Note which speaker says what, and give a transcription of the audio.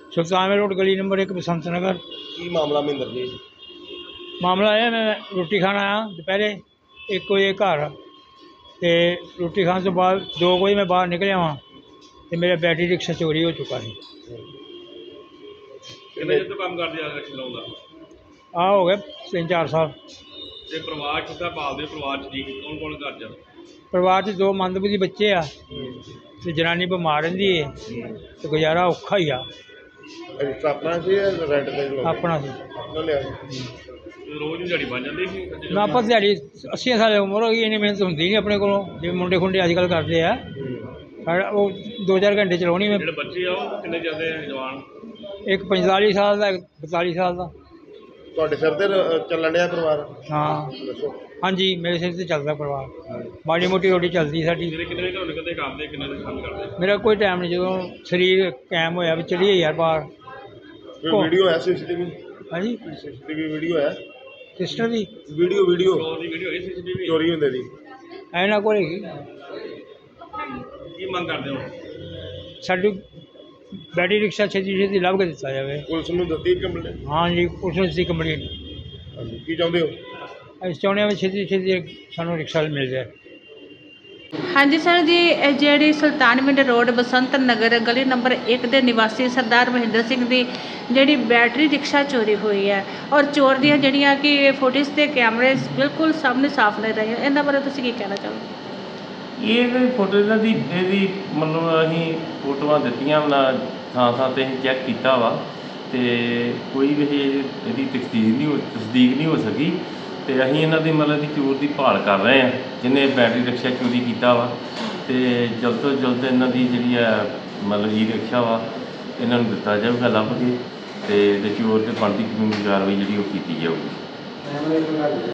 Speaker 1: सुल्तानवे road गली number 1 बसंत नगर।
Speaker 2: की मामला महेंद्र जी?
Speaker 1: मामला है मैं रोटी खान आया दोपहरे 1 बजे घर, तो रोटी खाने तो बाद 2 बजे मैं बाहर निकलिया वहाँ, तो मेरा बैटरी रिक्शा चोरी हो चुका है।
Speaker 3: कितने चਿਰ ਤੋਂ ਕੰਮ ਕਰਦੇ ਆ ਰਿਕਸ਼ਾ ਚਲਾਉਂਦਾ?
Speaker 1: आ हो गए 3-4 साल।
Speaker 3: ਤੇ ਪਰਿਵਾਰ ਕਿੱਦਾਂ ਪਾਲਦੇ? ਪਰਿਵਾਰ ਚ ਜੀ ਕੌਣ ਕੌਣ ਘਰ ਚ?
Speaker 1: परिवार से 2 मंदबुद्धि बच्चे आ, तो जनानी बीमार रही है, तो गुजारा औखा ही आ।
Speaker 2: ਰਿਕਸ਼ਾ ਆਪਣਾ ਸੀ ਜਾਂ ਰੈਂਟ ਤੇ ਲਓ?
Speaker 1: अपना से
Speaker 2: ਆਪਣਾ ਲਿਆ ਸੀ।
Speaker 3: ਰੋਜ਼ ਦੀ ਦਿਹਾੜੀ ਬਣ ਜਾਂਦੀ ਸੀ?
Speaker 1: ना पर दिहाड़ी 80 साल उम्र हो गई, इन्नी मेहनत होंगी नहीं अपने को, जिवें मुंडे खुंडे अजकल करते हैं। वो 2-4 घंटे चलानी मैं।
Speaker 3: ਜਿਹੜੇ ਬੱਚੇ ਆ ਉਹ ਕਿੰਨੇ ਜਾਂਦੇ ਆ ਜਵਾਨ?
Speaker 1: एक 45 साल का, एक 42 साल का।
Speaker 2: ਤੁਹਾਡੇ ਸਿਰ ਤੇ ਚੱਲਣ ਡਿਆ ਪਰਿਵਾਰ?
Speaker 1: हाँ
Speaker 2: ਦੱਸੋ।
Speaker 1: हाँ जी, मेरे सिर से चलता परिवार, माड़ी मोटी रोटी चलती साड़ी।
Speaker 3: ਜਿਹੜੇ ਕਿੰਨੇ ਵਜੇ ਘਰੋਂ ਨਿਕਲਦੇ ਕੰਮ ਦੇ, ਕਿੰਨੇ ਵਜੇ ਕੰਮ ਕਰਦੇ?
Speaker 1: मेरा कोई टाइम नहीं, जो शरीर कायम होया भी चलिए यार बाहर।
Speaker 2: ਕੋਈ ਵੀਡੀਓ ਹੈ ਸੀਸੀਟੀਵੀ?
Speaker 1: हाँ जी,
Speaker 2: ਸੀਸੀਟੀਵੀ ਵੀਡੀਓ ਹੈ?
Speaker 1: सिस्टर दी
Speaker 2: ਵੀਡੀਓ
Speaker 3: ਚੋਰ ਦੀ ਵੀਡੀਓ ਹੈਗੀ ਸੀਸੀਟੀਵੀ?
Speaker 2: ਚੋਰੀ ਹੁੰਦੇ ਦੀ?
Speaker 1: ऐना को
Speaker 3: ਕੀ ਮੰਗ ਕਰਦੇ ਹੋ?
Speaker 1: साड़ी बैटरी रिक्शा छेती छेती लभ के दिता जाए।
Speaker 2: ਪੁਲਿਸ ਨੂੰ ਦਿੱਤੀ ਕੰਪਲੇਂਟ?
Speaker 1: हाँ जी, उसने इसकी कंप्लेंट।
Speaker 2: ਹਾਂਜੀ, ਕੀ ਚਾਹੁੰਦੇ ਹੋ?
Speaker 1: ਅਸੀਂ ਚਾਹੁੰਦੇ ਹਾਂ ਵੀ ਛੇਤੀ ਛੇਤੀ ਸਾਨੂੰ ਰਿਕਸ਼ਾ ਮਿਲ ਜਾਏ।
Speaker 4: ਹਾਂਜੀ ਸਰ ਜੀ, ਇਹ ਜਿਹੜੀ ਸੁਲਤਾਨਵਿੰਡ ਰੋਡ ਬਸੰਤ ਨਗਰ ਗਲੀ ਨੰਬਰ 1 ਦੇ ਨਿਵਾਸੀ ਸਰਦਾਰ ਮਹਿੰਦਰ ਸਿੰਘ ਦੀ ਜਿਹੜੀ ਬੈਟਰੀ ਰਿਕਸ਼ਾ ਚੋਰੀ ਹੋਈ ਹੈ, ਔਰ ਚੋਰ ਦੀਆਂ ਜਿਹੜੀਆਂ ਕਿ ਫੁਟੇਜ ਤੇ ਕੈਮਰੇ ਬਿਲਕੁਲ ਸਾਹਮਣੇ ਸਾਫ਼ ਨਹੀਂ ਰਹੇ, ਇਹਨਾਂ ਬਾਰੇ ਤੁਸੀਂ ਕੀ ਕਹਿਣਾ ਚਾਹੋਗੇ?
Speaker 5: ਇਹ ਫੋਟੋ ਇਹਦੀ ਮਤਲਬ ਅਸੀਂ ਫੋਟੋਆਂ ਦਿੱਤੀਆਂ ਨਾ, ਥਾਂ ਥਾਂ 'ਤੇ ਅਸੀਂ ਚੈੱਕ ਕੀਤਾ ਵਾ, ਅਤੇ ਕੋਈ ਵੀ ਇਹਦੀ ਤਸਦੀਕ ਨਹੀਂ ਹੋ ਸਕੀ, ਅਤੇ ਅਸੀਂ ਇਹਨਾਂ ਦੀ ਮਤਲਬ ਦੀ ਚੋਰ ਦੀ ਭਾਲ ਕਰ ਰਹੇ ਹਾਂ, ਜਿਹਨੇ ਬੈਟਰੀ ਰਿਕਸ਼ਾ ਚੋਰੀ ਕੀਤਾ ਵਾ, ਅਤੇ ਜਲਦ ਤੋਂ ਜਲਦ ਇਹਨਾਂ ਦੀ ਜਿਹੜੀ ਆ ਮਤਲਬ ਈ ਰਿਕਸ਼ਾ ਵਾ ਇਹਨਾਂ ਨੂੰ ਦਿੱਤਾ ਜਾਊਗਾ ਲੱਭ ਕੇ, ਅਤੇ ਚੋਰ 'ਤੇ ਬਣਦੀ ਕਾਨੂੰਨੀ ਕਾਰਵਾਈ ਜਿਹੜੀ ਉਹ ਕੀਤੀ ਜਾਊਗੀ।